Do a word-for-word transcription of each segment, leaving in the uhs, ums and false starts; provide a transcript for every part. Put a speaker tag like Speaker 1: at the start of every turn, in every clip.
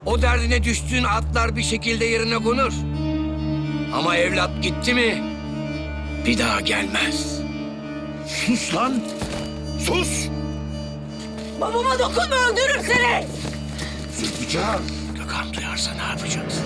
Speaker 1: O derdine düştüğün atlar bir şekilde yerine konur. Ama evlat gitti mi bir daha gelmez.
Speaker 2: Sus lan! Sus!
Speaker 3: Babama dokunma, öldürürüm seni.
Speaker 2: Zülfikar!
Speaker 1: Gökhan duyarsa ne yapacaksın?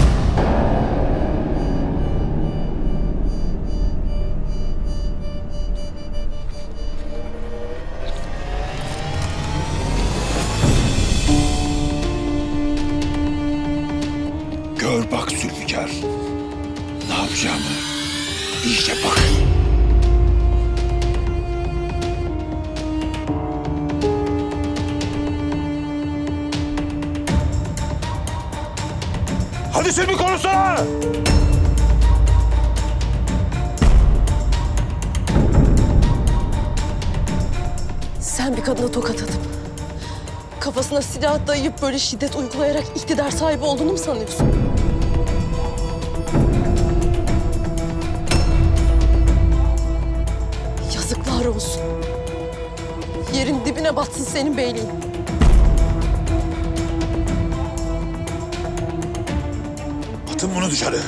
Speaker 2: Gör bak Zülfikar. Ne yapacağımı iyice bak. Hadi sen bir konuşsana!
Speaker 3: Sen bir kadına tokat atıp kafasına silah dayayıp böyle şiddet uygulayarak iktidar sahibi olduğunu mu sanıyorsun? Yazıklar olsun. Yerin dibine batsın senin beyliğin.
Speaker 2: Atın bunu dışarı.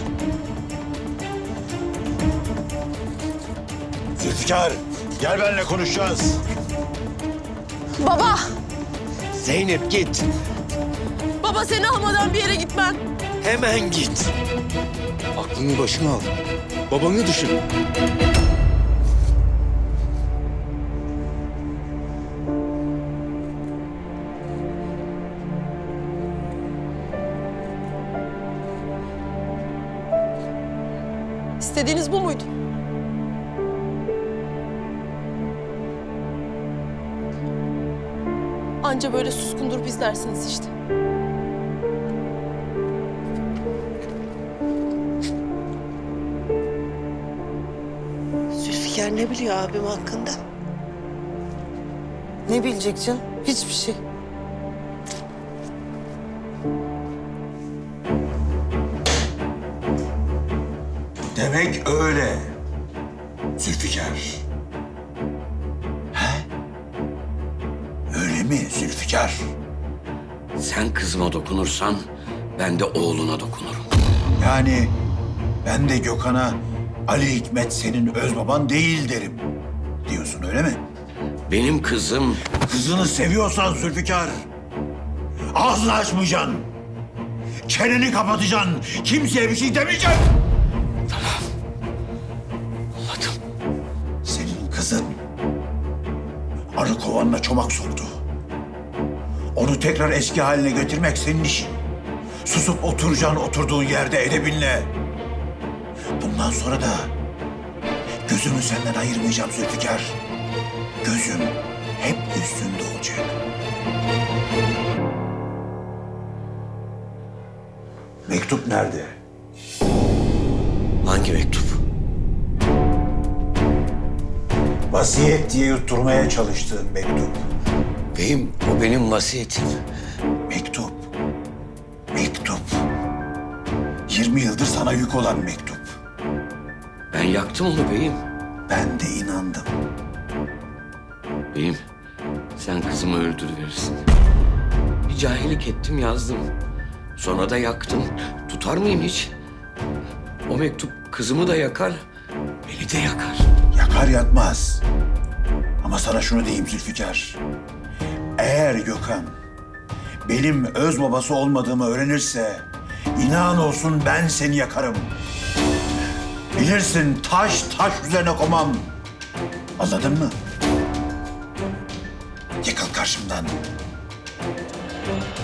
Speaker 2: Zülfikar, gel benimle konuşacağız.
Speaker 3: Baba!
Speaker 1: Zeynep git.
Speaker 3: Baba seni almadan bir yere gitmem.
Speaker 1: Hemen git.
Speaker 2: Aklını başına al. Babanı düşün.
Speaker 3: İstediğiniz bu muydu? Anca böyle suskundur bizlersiniz işte.
Speaker 4: Zülfikar ne biliyor abim hakkında?
Speaker 5: Ne bilecek canım? Hiçbir şey.
Speaker 2: Demek öyle. Zülfikar. He? Öyle mi Zülfikar?
Speaker 1: Sen kızıma dokunursan ben de oğluna dokunurum.
Speaker 2: Yani ben de Gökhan'a Ali Hikmet senin öz baban değil derim diyorsun öyle mi?
Speaker 1: Benim kızım
Speaker 2: Kızını seviyorsan Zülfikar, ağzını açmayacaksın. Çeneni kapatacaksın. Kimseye bir şey demeyeceksin.
Speaker 1: anladım.
Speaker 2: Senin kızın arı kovanına çomak soktu. Onu tekrar eski haline getirmek senin işin. Susup oturacaksın oturduğun yerde edebinle. Bundan sonra da gözümü senden ayırmayacağım Zülfikar. Gözüm hep üstünde olacak. Mektup nerede?
Speaker 1: Hangi mektup?
Speaker 2: Vasiyet diye yutturmaya çalıştığın mektup.
Speaker 1: Beyim o benim vasiyetim.
Speaker 2: Mektup. Mektup. yirmi yıldır sana yük olan mektup.
Speaker 1: Ben yaktım onu beyim.
Speaker 2: Ben de inandım.
Speaker 1: Beyim sen kızımı öldürüverirsin. Bir cahillik ettim yazdım. Sonra da yaktım. Tutar mıyım hiç? O mektup kızımı da yakar, beni de yakar.
Speaker 2: Yakar yakmaz. Ama sana şunu diyeyim Zülfikar. Eğer Gökhan benim öz babası olmadığımı öğrenirse inan olsun ben seni yakarım. Bilirsin taş taş üzerine komam. Anladın mı? Yıkıl karşımdan.